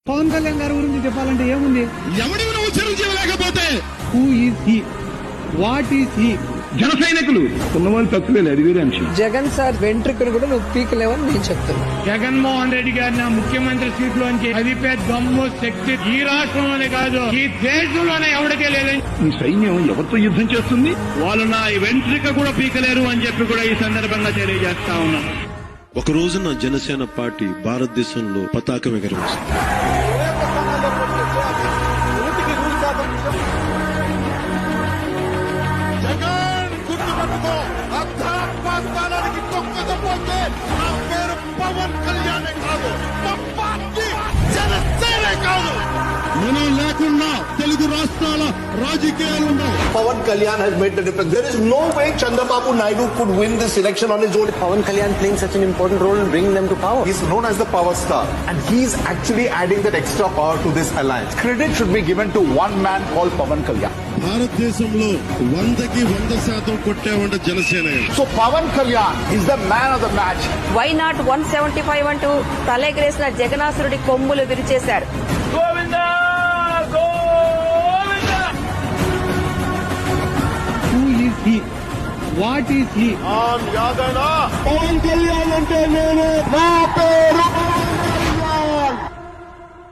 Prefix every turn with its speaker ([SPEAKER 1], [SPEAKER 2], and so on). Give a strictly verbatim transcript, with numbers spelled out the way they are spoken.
[SPEAKER 1] పవన్ కళ్యాణ్ గారి గురించి చెప్పాలంటే ఏముంది?
[SPEAKER 2] ఎవడి నువ్వు చిరంజీవి లేకపోతే
[SPEAKER 1] who is he, what is he?
[SPEAKER 2] జన సైనికులు ఉన్నవాళ్ళు తక్కువే, అది వేరే అంశం.
[SPEAKER 3] జగన్ సార్ వెంట్రుకను కూడా నువ్వు పీకలేవని నేను చెప్తున్నా.
[SPEAKER 4] జగన్మోహన్ రెడ్డి గారిని ముఖ్యమంత్రి సీట్ లోంచి అదిపే దమ్ము శక్తి ఈ రాష్ట్రంలోనే కాదు ఈ దేశంలోనే ఎవరికే లేదని.
[SPEAKER 2] ఈ సైన్యం ఎవరితో యుద్ధం చేస్తుంది?
[SPEAKER 4] వాళ్ళు నా వెంట్రిక కూడా పీకలేరు అని చెప్పి కూడా ఈ సందర్భంగా తెలియజేస్తా ఉన్నాం.
[SPEAKER 5] ఒక రోజున జనసేన పార్టీ భారతదేశంలో పతాకం ఎగరవేసింది.
[SPEAKER 6] జగన్ గుర్తుపెట్టుకో, అర్ధరాత్మానికి తొక్కకపోతే నా పేరు పవన్ కళ్యాణే కాదు, మా పార్టీ జనసేనే కాదు.
[SPEAKER 2] మనం లేకుండా తెలుగు రాష్ట్రాల రాజకీయాలు ఉండవు.
[SPEAKER 6] Pawan Kalyan has made the difference. There is no way Chandrababu Naidu could win this election on his own.
[SPEAKER 7] Pawan Kalyan playing such an important role in bringing them to power.
[SPEAKER 8] He's known as the power star, and he's actually adding that extra power to this alliance. Credit should be given to one man called Pawan Kalyan.
[SPEAKER 5] భారతదేశంలో వందకి వంద శాతం కొట్టేవంట Janasena.
[SPEAKER 8] So Pawan Kalyan is the man of the match.
[SPEAKER 9] Why not one seventy five అంటూ తలెగరేసిన జగనాసురుడి కొమ్ములు విరిచేశారు.
[SPEAKER 1] Who is he, what is he?
[SPEAKER 6] యాదైనా
[SPEAKER 2] పవన్ కళ్యాణ్ అంటే నేను, నా పేరు